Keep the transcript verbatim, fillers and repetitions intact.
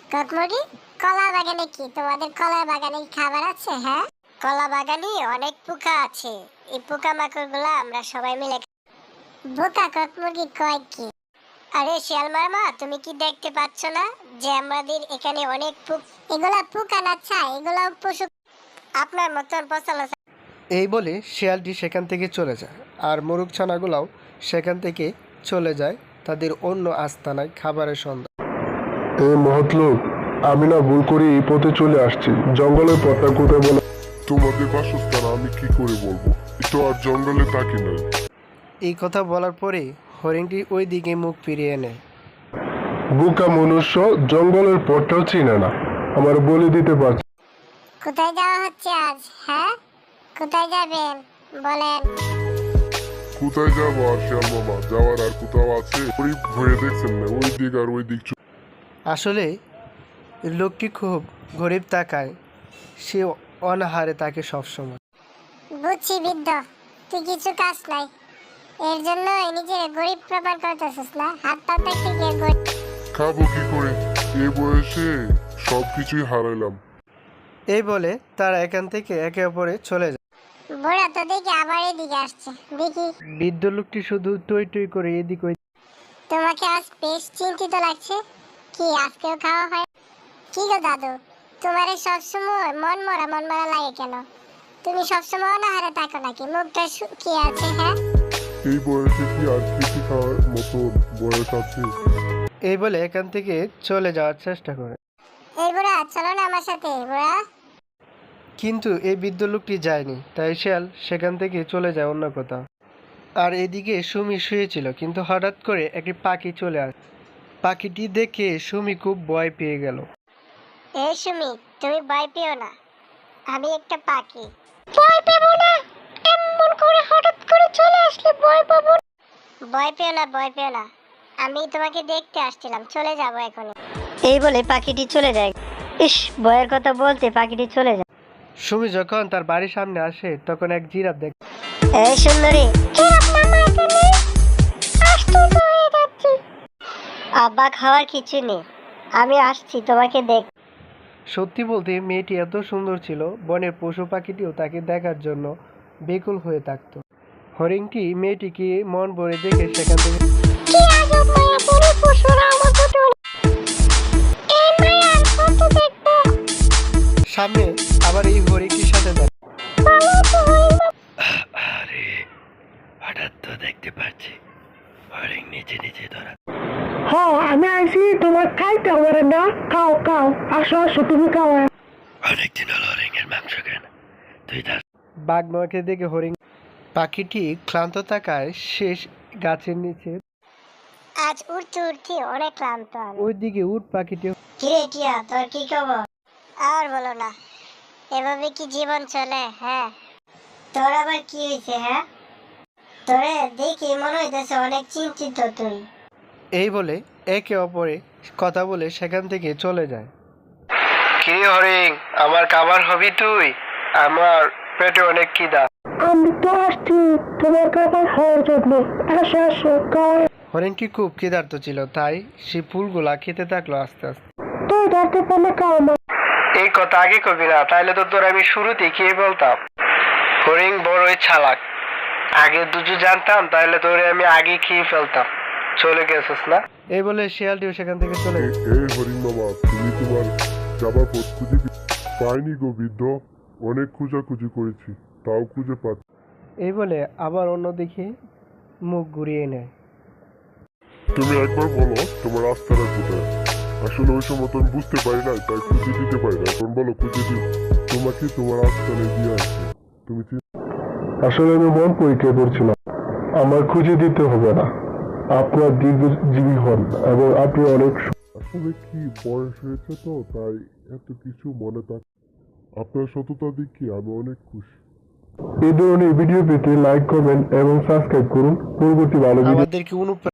কাকমুড়ি, কলা বাগানে কি তোমাদের কলা বাগানে খাবার আছে? হ্যাঁ, কলা বাগানে অনেক পোকা আছে। এই পোকা মাকড়গুলো আমরা সবাই মিলে বোকা কাকমুড়ি কয় কি? আরে শিয়াল মামা, তুমি কি দেখতে পাচ্ছ না যে আমাদের এখানে অনেক পোক? এগুলা পোকা না, ছা এগুলা পশু, আপনার মতন পচালো। এই বলে শিয়ালটি সেখান থেকে চলে যায়, আর মোরগ ছানাগুলাও সেখান থেকে চলে যায় তাদের অন্য আস্তানায় খাবারের সন্ধান। এই মহৎ লোক, আমি না ভুল করে এই পথে চলে আসছি। জঙ্গলের পথটা কোথায় বলো? তোমাদের বাসস্থান আমি কি করে বলবো? তো আর জঙ্গলে থাকি নাই। এই কথা বলার পরে হরিণটি ওই দিকে মুখ ফিরিয়ে নেয়। বোকা মনুষ্য, জঙ্গলের পথটাও চিনে না, আমার বলে দিতে পারছি। কোথায় যাওয়া হচ্ছে আজ? হ্যাঁ, কোথায় যাবেন বলেন? কোথায় যাবো আর শিয়াল মামা? যাওয়ার আর কোথাও আছে? ওই ভয়ে দেখছেন না, ওই দিক আর ওই দিক। আসলে লোকটি খুব গরিব তাকায়, সে অনাহারে তাকে সবসময়। বুঝছি বৃদ্ধ, তুই কিছু কাজ নাই, এর জন্য নিজের গরিব প্রমাণ করতেছিস না? হাত পা থেকে গিয়ে গরিব। খাবো কি করে? এই বয়সে সবকিছুই হারাইলাম। এই বলে তারা এখান থেকে একে অপরে চলে যায়। বুড়া তো দেখি আবার এদিকে আসছে, দেখি। বৃদ্ধ লোকটি শুধু টই টই করে এদিক ওই। তোমাকে আজ বেশ চিন্তিত লাগছে। কি আজকেও খাওয়া হয়? কি গো দাদু, তোমার সবসময় মন মরা মন মরা লাগে কেন? তুমি সবসময় অনাহারে থাকো নাকি? মুখটা শুকিয়ে আছে। হ্যাঁ, এই বয়সে কি আর কিছু খাওয়ার মতো বয়স আছে? এই বলে এখান থেকে চলে যাওয়ার চেষ্টা করে, এই বুড়া চলো না আমার সাথে। বুড়া, কিন্তু এই বৃদ্ধ লোকটি যায়নি, তাই শিয়াল সেখান থেকে চলে যায় অন্য কোথাও। আর এদিকে সুমি শুয়েছিল, কিন্তু হঠাৎ করে একটি পাখি চলে আসে। পাখিটি দেখে সুমি খুব ভয় পেয়ে গেল। এই সুমি, তুমি ভয় পেও না, আমি একটা পাখি। ভয় পেবো না? এমন করে হঠাৎ করে চলে আসলে ভয় পাবো? ভয় পেও না, ভয় পেও না, আমি তোমাকে দেখতে আসছিলাম, চলে যাব এখন। এই বলে পাখিটি চলে যায়। ইস, ভয়ের কথা বলতে পাখিটি চলে যায়। সুমি যখন তার বাড়ির সামনে আসে, তখন এক জিরাফ দেখে। এই সুন্দরী, আব্বা খাওয়ার কিছু নেই, আমি আসছি তোমাকে দেখ। সত্যি বলতে মেয়েটি এত সুন্দর ছিল, বনের পশু পাখিটিও তাকে দেখার জন্য বেকুল হয়ে থাকত। হরিণটি মেয়েটিকে মন ভরে দেখে সেখান থেকে কি আজব মায়া, বড় পশুরা আমার প্রতি এই মায়া আর কত দেখবো? সামনে আবার এই হরিণটির সাথে দেয়। ভালো তো হইল। আরে হঠাৎ তো দেখতে পাচ্ছি হরিণ নিচে নিচে ধরা। হ্যাঁ, আমি আইছি তোমার খাইতে হবে না। খাও খাও, আসো আসো, তুমি খাও। অনেকদিন হলো হরিণের মাংস কেন তুই তার। বাঘ মাকে দেখে হরিণ পাখিটি ক্লান্ত থাকায় শেষ গাছের নিচে। আজ উঠতে উঠতে অনেক ক্লান্ত আমি। ওইদিকে উট পাখিটি। কিরে টিয়া, তোর কি খবর? আর বলো না, এভাবে কি জীবন চলে? হ্যাঁ, তোর আবার কি হয়েছে? হ্যাঁ, তোরে দেখি মনে হইতেছে অনেক চিন্তিত তুই। এই বলে একে অপরে কথা বলে সেখান থেকে চলে যায়। কি হরিণ, আমার খাবার হবি তুই? আমার পেটে অনেক খিদা। আমি তো আসছি তোমার খাবার খাওয়ার জন্য। আসো আসো, খাও। হরিণটি খুব ক্ষুধার্ত ছিল, তাই সে ফুলগুলা খেতে থাকলো আস্তে আস্তে। তুই ডাকতে পারলে খাও না। এই কথা আগে কবি না, তাইলে তো তোর আমি শুরুতে খেয়ে বলতাম। হরিণ বড়ই চালাক, আগে দুজু জানতাম তাহলে তোরে আমি আগে খেয়ে ফেলতাম। চলে গেছিস না? এই বলে শিয়ালটিও সেখান থেকে চলে গেল। এই হরিণ মামা, তুমি তোমার যাবার পথ খুঁজে পাইনি গো বৃদ্ধ। অনেক খোঁজাখুঁজি করেছি, তাও খুঁজে পাচ্ছি। এই বলে আবার অন্যদিকে মুখ ঘুরিয়ে নেয়। তুমি একবার বলো তোমার রাস্তাটা কোথায়? আসলে ওই সময় তো আমি বুঝতে পারি না, তাই খুঁজে দিতে পারি না। এখন বলো, খুঁজে দিই তোমাকে তোমার রাস্তায় দিয়ে আসবো। তুমি আসলে আমি মন পরীক্ষা করছিলাম, আমার খুঁজে দিতে হবে না। আপনার দীর্ঘজীবী হন এবং আপনি অনেক। আসলে কি বয়স হয়েছে তো, তাই এত কিছু মনে থাক। আপনার সততা দেখি আমি অনেক খুশি। এই ধরনের ভিডিও পেতে লাইক, কমেন্ট এবং সাবস্ক্রাইব করুন। পরবর্তী ভালো ভিডিও আমাদেরকে অনুপ্রাণিত